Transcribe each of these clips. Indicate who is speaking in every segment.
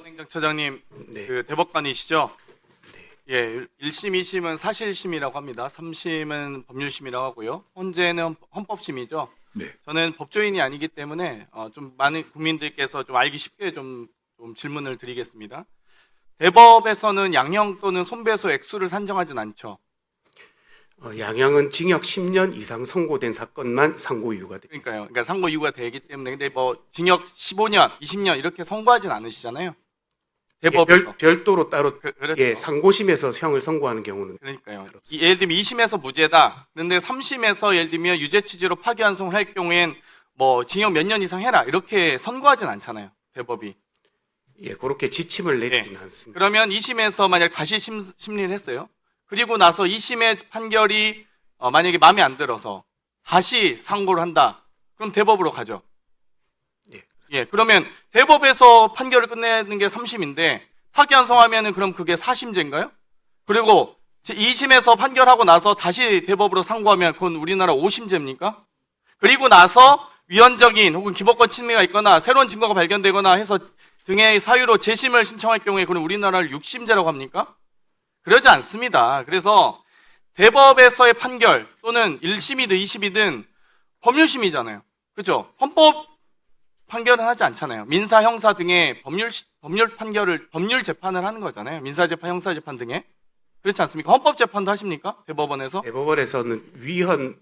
Speaker 1: 행정처장님,
Speaker 2: 네.
Speaker 1: 그 대법관이시죠? 예, 1심, 2심은 사실심이라고 합니다. 3심은 법률심이라고 하고요. 헌재는 헌법심이죠.
Speaker 3: 네.
Speaker 1: 저는 법조인이 아니기 때문에 좀 많은 국민들께서 좀 알기 쉽게 좀 질문을 드리겠습니다. 대법에서는 양형 또는 손배소 액수를 산정하진 않죠.
Speaker 2: 양형은 징역 10년 이상 선고된 사건만 상고 이유가 됩니다.
Speaker 1: 그러니까 상고 이유가 되기 때문에 근데 뭐 징역 15년, 20년 이렇게 선고하진 않으시잖아요. 대법에서.
Speaker 2: 별도로 따로
Speaker 1: 그렇죠.
Speaker 2: 예, 상고심에서 형을 선고하는 경우는
Speaker 1: 그러니까요.
Speaker 2: 그렇습니다.
Speaker 1: 예를 들면 2심에서 무죄다. 그런데 3심에서 예를 들면 유죄 취지로 파기환송을 할 경우엔 뭐 징역 몇 년 이상 해라 이렇게 선고하진 않잖아요. 대법이.
Speaker 2: 예, 그렇게 지침을 내리지는 않습니다.
Speaker 1: 그러면 2심에서 만약 다시 심리를 했어요. 그리고 나서 2심의 판결이 만약에 마음에 안 들어서 다시 상고를 한다. 그럼 대법으로 가죠. 예, 그러면 대법에서 판결을 끝내는 게 3심인데 파기환송하면은 그럼 그게 4심제인가요? 그리고 2심에서 판결하고 나서 다시 대법으로 상고하면 그건 우리나라 5심제입니까? 그리고 나서 위헌적인 혹은 기본권 침해가 있거나 새로운 증거가 발견되거나 해서 등의 사유로 재심을 신청할 경우에 그럼 우리나라를 6심제라고 합니까? 그러지 않습니다. 그래서 대법에서의 판결 또는 1심이든 2심이든 법률심이잖아요. 그렇죠? 헌법 판결은 하지 않잖아요. 민사, 형사 등의 법률 재판을 하는 거잖아요. 민사재판, 형사재판 등의. 그렇지 않습니까? 헌법재판도 하십니까? 대법원에서?
Speaker 2: 대법원에서는 위헌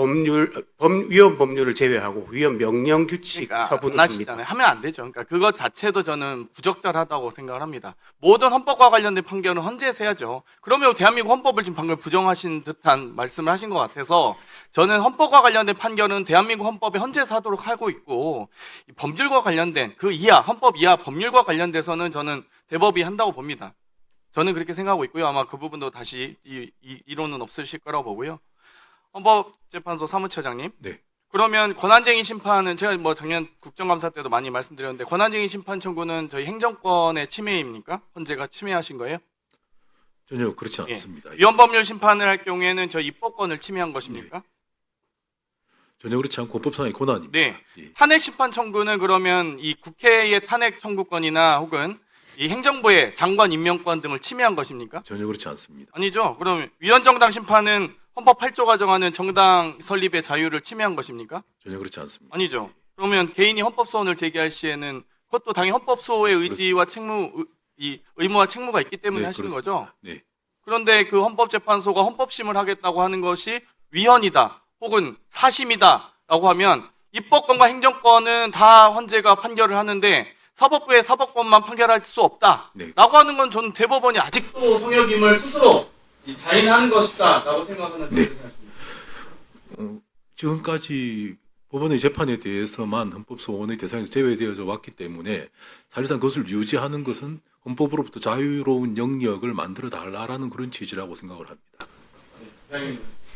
Speaker 2: 법률을 제외하고 위헌 명령 규칙
Speaker 1: 그러니까
Speaker 2: 처분을
Speaker 1: 안
Speaker 2: 합니다.
Speaker 1: 하시잖아요. 하면 안 되죠. 그러니까 그것 자체도 저는 부적절하다고 생각을 합니다. 모든 헌법과 관련된 판결은 헌재에서 해야죠. 그러면 대한민국 헌법을 지금 방금 부정하신 듯한 말씀을 하신 것 같아서 저는 헌법과 관련된 판결은 대한민국 헌법에 헌재에서 하도록 하고 있고 이 법률과 관련된 그 이하, 헌법 이하 법률과 관련돼서는 저는 대법이 한다고 봅니다. 저는 그렇게 생각하고 있고요. 아마 그 부분도 다시 이론은 없으실 거라고 보고요. 헌법재판소 사무처장님.
Speaker 3: 네.
Speaker 1: 그러면 권한쟁의 심판은 제가 뭐 작년 국정감사 때도 많이 말씀드렸는데 권한쟁의 심판 청구는 저희 행정권의 침해입니까? 헌재가 침해하신 거예요?
Speaker 3: 전혀 그렇지
Speaker 1: 예.
Speaker 3: 않습니다.
Speaker 1: 위헌법률 심판을 할 경우에는 저희 입법권을 침해한 것입니까?
Speaker 3: 전혀 그렇지 않고 법상의 권한입니다.
Speaker 1: 네.
Speaker 3: 예.
Speaker 1: 탄핵 심판 청구는 그러면 이 국회의 탄핵 청구권이나 혹은 이 행정부의 장관 임명권 등을 침해한 것입니까?
Speaker 3: 전혀 그렇지 않습니다.
Speaker 1: 아니죠. 그럼 위헌정당 심판은 헌법 8조가 정하는 정당 설립의 자유를 침해한 것입니까?
Speaker 3: 전혀 그렇지 않습니다.
Speaker 1: 아니죠. 그러면 개인이 헌법소원을 제기할 시에는 그것도 당연히 헌법소의 의지와 의무와 책무가 있기 때문에
Speaker 3: 네,
Speaker 1: 하시는
Speaker 3: 그렇습니다.
Speaker 1: 거죠.
Speaker 3: 네.
Speaker 1: 그런데 그 헌법재판소가 헌법심을 하겠다고 하는 것이 위헌이다 혹은 사심이다라고 하면 입법권과 행정권은 다 헌재가 판결을 하는데 사법부의 사법권만 판결할 수 없다라고
Speaker 3: 네.
Speaker 1: 하는 건 저는 대법원이 아직도 성역임을 스스로 자인하는 것이다라고 생각하는
Speaker 3: 네.
Speaker 1: 생각입니다.
Speaker 3: 지금까지 법원의 재판에 대해서만 헌법소원의 대상에서 제외되어져 왔기 때문에 사실상 그것을 유지하는 것은 헌법으로부터 자유로운 영역을 만들어 달라라는 그런 취지라고 생각을 합니다.
Speaker 1: 네.